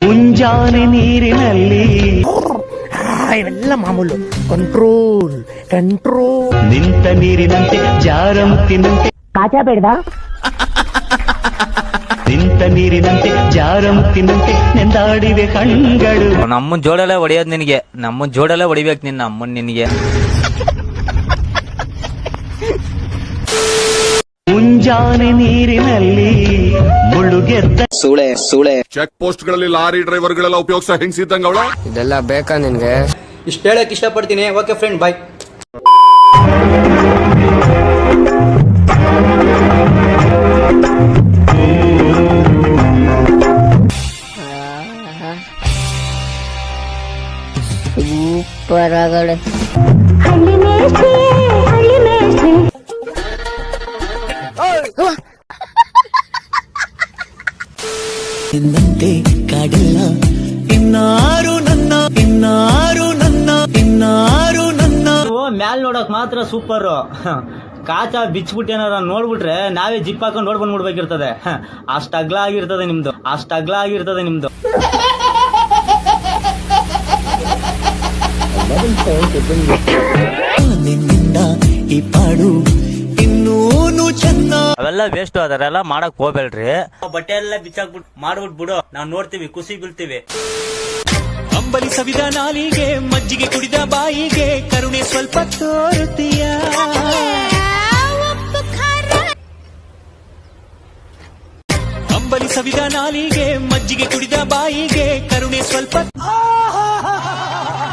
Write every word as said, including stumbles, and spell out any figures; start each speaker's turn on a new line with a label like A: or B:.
A: ಮುಂಜಾನೆ ನೀರಿನಲ್ಲಿ
B: ಇವೆಲ್ಲ ಮಾಮೂಲು. Control control.
A: ನಿಂತ ನೀರಿನಂತೆ ಜಾರಮುತ್ತಿನಂತೆ
B: ಕಾಚಾ ಬೇಡ್ದ.
A: ನಿಂತ ನೀರಿನಂತೆ ಜಾರಮುತ್ತಿನಂತೆ ನೆಂದಾಡಿವೆ ಕಣ್ಗಳು.
C: ನಮ್ಮನ್ ಜೋಡೆಲ್ಲ ಹೊಡಿಯೋದ್ ನಿನಗೆ, ನಮ್ಮನ್ ಜೋಡೆಲ್ಲ ಹೊಡಿಬೇಕು ನಿನ್ನ ಅಮ್ಮನ್ ನಿನಗೆ.
A: ಮುಂಜಾನೆ ನೀರಿನಲ್ಲಿ ಮುಳುಗೆದ್ದ
D: ಸೂಳೆ ಸೂಳೆ.
E: ಚೆಕ್ ಪೋಸ್ಟ್ ಗಳಲ್ಲಿ ಲಾರಿ ಡ್ರೈವರ್ ಗಳೆಲ್ಲ ಉಪಯೋಗಿಸೋ ಹೆಂಗ್ಸಿದ್ದಂಗ ಅವಳ.
D: ಇದೆಲ್ಲ ಬೇಕಾ ನಿನ್ಗೆ?
F: ಇಷ್ಟ ಹೇಳಕ್ ಇಷ್ಟಪಡ್ತೀನಿ. Okay friend, bye.
G: ಸೂಪರ್ ಆಗಳೆ.
A: ಎಂದಂತೆ ಕಾಡಿಲ್ಲ ಇನ್ನಾರು ನನ್ನ ಇನ್ನಾರು ನನ್ನ ಇನ್ನಾರು ನನ್ನ.
F: ಮ್ಯಾಲ್ ನೋಡಕ್ ಮಾತ್ರ ಸೂಪರ್. ಕಾಚ ಬಿಚ್ಬಿಟ್ಟು ಏನಾರ ನೋಡ್ಬಿಟ್ರೆ ನಾವೇ ಜಿಪ್ ಹಾಕೊಂಡು ನೋಡ್ ಬಂದ್ಬಿಡ್ಬೇಕಿರ್ತದೆ. ಅಷ್ಟ ಅಗ್ಲ ಆಗಿರ್ತದೆ ನಿಮ್ದು, ಅಷ್ಟ ಅಗ್ಲ ಆಗಿರ್ತದೆ ನಿಮ್ದು.
A: ನಿನ್ನಿಂದ ಈ ಪಾಡು ಇನ್ನೂನು ಚೆನ್ನ.
C: ಅವೆಲ್ಲ ವೇಸ್ಟ್, ಅದರೆಲ್ಲ ಮಾಡಕ್ ಹೋಗ್ಬೇಡ್ರಿ. ಬಟ್ಟೆ ಎಲ್ಲ ಬಿಚ್ಚಾಕ್ಬಿಟ್ಟು ಮಾಡ್ಬಿಟ್ ಬಿಡು, ನಾವ್ ನೋಡ್ತೀವಿ, ಖುಷಿ ಬೀಳ್ತೀವಿ.
A: ಅಂಬಲಿ ಸವಿದ ನಾಲಿಗೆ, ಮಜ್ಜಿಗೆ ಕುಡಿದ ಬಾಯಿಗೆ, ಕರುಣೆ ಸ್ವಲ್ಪ ತೋರುತ್ತೀಯ. ಅಂಬಲಿ ಸವಿದ ನಾಲಿಗೆ, ಮಜ್ಜಿಗೆ ಕುಡಿದ ಬಾಯಿಗೆ, ಕರುಣೆ ಸ್ವಲ್ಪ.